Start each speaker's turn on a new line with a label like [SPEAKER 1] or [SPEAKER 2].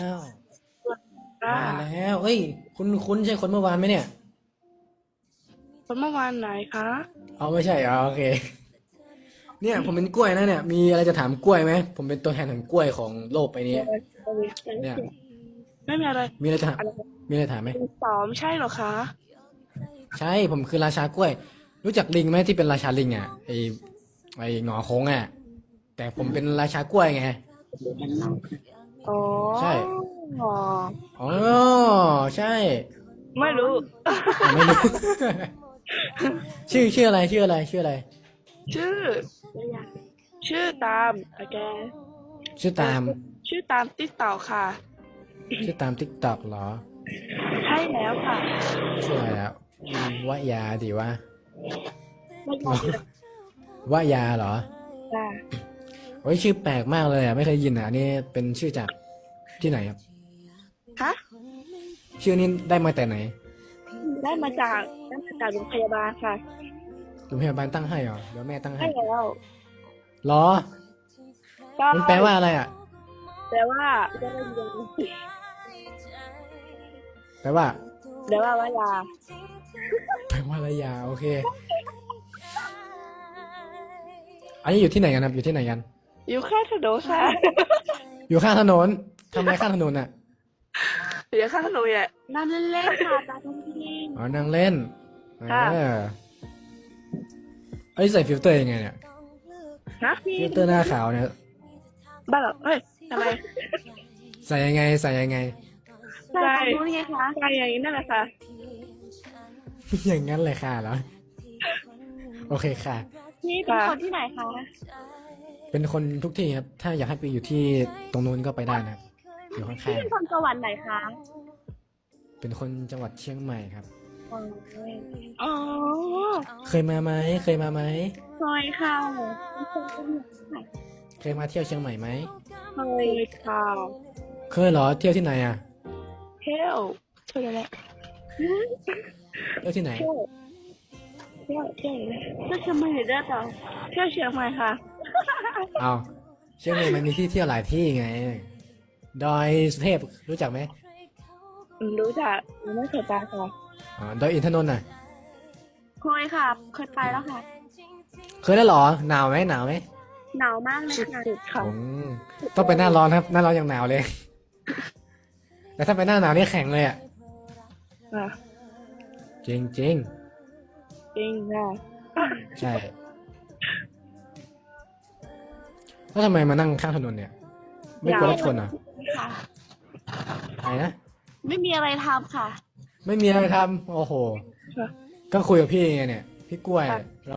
[SPEAKER 1] อ้าว
[SPEAKER 2] ค่ะ
[SPEAKER 1] มาแล้วเอ้ยคุณใช่คนเมื่อวานไหมเนี่ย
[SPEAKER 2] คนเมื่อวานไหนคะ
[SPEAKER 1] เอาไม่ใช่โอเคเนี่ยผมเป็นกล้วยนะเนี่ยมีอะไรจะถามกล้วยไหมผมเป็นตัวแทนของกล้วยของโลกไปนี้เนี่ย
[SPEAKER 2] ไม่มีอะไร
[SPEAKER 1] มีอะไรจะถาม
[SPEAKER 2] อะไร
[SPEAKER 1] มีอะไรถามไหม
[SPEAKER 2] เป็นสองใช่เหรอคะ
[SPEAKER 1] ใช่ผมคือราชากล้วย รู้จักลิงไหมที่เป็นราชาลิงอ่ะไอหงอโค้งอ่ะแต่ผมเป็นราชากล้วยไง
[SPEAKER 2] อ๋อ
[SPEAKER 1] ใช่อ๋อใช่
[SPEAKER 2] ไม่รู้
[SPEAKER 1] ไม่รู้ชื่ออะไรชื่ออะไร
[SPEAKER 2] ชื่อชื่อตามโอเค
[SPEAKER 1] ชื่อตาม
[SPEAKER 2] ชื่อตามติ๊กต่อค่ะ
[SPEAKER 1] ชื่อตามติ๊กต็อกเหรอ
[SPEAKER 2] ใช่แล้วค่ะ
[SPEAKER 1] ชื่ออะไรอ่ะวะยาดีวะ
[SPEAKER 2] ไม่ยอม
[SPEAKER 1] วะยาเหรอ
[SPEAKER 2] จ้ะ
[SPEAKER 1] โอ้ยชื่อแปลกมากเลยอ่ะไม่เคยยินอ่ะอันนี่เป็นชื่อจากที่ไหนครับ
[SPEAKER 2] ฮะ
[SPEAKER 1] ชื่อนี้ได้มาแต่ไหน
[SPEAKER 2] ได้มาจากโรงพยาบาลค่ะ
[SPEAKER 1] โรงพยาบาลตั้งให้เหรอเดี๋ยวแม่ตั้งให้
[SPEAKER 2] ใช่แล้ว
[SPEAKER 1] เหรอ
[SPEAKER 2] ใช่
[SPEAKER 1] มันแปลว่าอะไรอ่ะ
[SPEAKER 2] แต่ว่าจะไม่เรียน
[SPEAKER 1] แปลว่า
[SPEAKER 2] แต่ว่าว่ายา
[SPEAKER 1] แปลว่าอะไรยาโอเคอันนี้อยู่ที่ไหนกันครับอยู่ที่ไหนกัน
[SPEAKER 2] อยู่ข้างถนนค่ะ
[SPEAKER 1] อยู่ข้างถนนทำอะไรข้างถนนอ่ะ
[SPEAKER 2] อยู่ข้างถนนอ่ะนั่งเล่นๆค่ะตาทุ่งทิง
[SPEAKER 1] อ๋อนั่งเล่น
[SPEAKER 2] ค่ะ
[SPEAKER 1] เออไอ้ยใส่ฟิลเตอร์ยังไงเนี่ย
[SPEAKER 2] ฮะ
[SPEAKER 1] ฟิลเตอร์หน้าขาวเนี่ย
[SPEAKER 2] บ้าเหรอเฮ้ยทำไม
[SPEAKER 1] ใส่ยังไงใส่ยังไง
[SPEAKER 2] ใช่รู้ไงคะใช่อย่างนี้นั่นแหละค่ะ
[SPEAKER 1] อย่างนั้นเลยค่ะเหรอโอเคค่ะ
[SPEAKER 2] นี่เป็นคนที่ไหนคะ
[SPEAKER 1] เป็นคนทุกที่ครับ ถ้าอยากให้ไปอยู่ที่ตรงนู้นก็ไปได้นะครับอยู่ข้าง
[SPEAKER 2] พี่เป็นคนจังหวัดไหนคะ
[SPEAKER 1] ๆเป็นคนจังหวัดเชียงใหม่ครับ
[SPEAKER 2] อ๋อ
[SPEAKER 1] เคยมาไหมเคยมาไหม
[SPEAKER 2] เคยค่ะเป็นคนจังหวัดไหน
[SPEAKER 1] เคยมาเที่ยวเชียงใหม่ไหม
[SPEAKER 2] เคยค่ะ
[SPEAKER 1] เคยเหรอเที่ยวที่ไหนอ่ะ
[SPEAKER 2] เที่ยวเที่ยวอะไร
[SPEAKER 1] เที่ยวที่ไหน
[SPEAKER 2] เที่ยวเชียงใหม่ได้ต่อเที่ยวเชียงใหม่ค่ะ
[SPEAKER 1] เอาเชียงใหม่มันมีที่เที่ยวหลายที่ไงดอยสุเทพรู้จักไหม
[SPEAKER 2] รู้จักไม่เคยไปค่ะ
[SPEAKER 1] อ๋อดอยอินทนนท์น่ะ
[SPEAKER 2] เคยค่ะเคยไปแล้วค่ะ
[SPEAKER 1] เคยได้เหรอหนาวไหมหนาวไหม
[SPEAKER 2] หนาวมากเลยค่ะ
[SPEAKER 1] อืมต้องไปหน้าร้อนครับหน้าร้อนยังหนาวเลย แต่ถ้าไปหน้าหนาวนี่แข็งเลยอ่ะ
[SPEAKER 2] อ่ะ
[SPEAKER 1] จริงจริง
[SPEAKER 2] จริงค่ะ
[SPEAKER 1] ใช่แล้วทำไมมานั่งข้างถนนเนี่ย ไม่กลัวรถชนเหรอ่ะ
[SPEAKER 2] ค่ะ
[SPEAKER 1] อะไรนะ
[SPEAKER 2] ไม่มีอะไรทำค่ะ
[SPEAKER 1] ไม่มีอะไรทำโอ้โห
[SPEAKER 2] ค่ะ
[SPEAKER 1] ก็คุยกับพี่ไงเนี่ย พี่กล้วย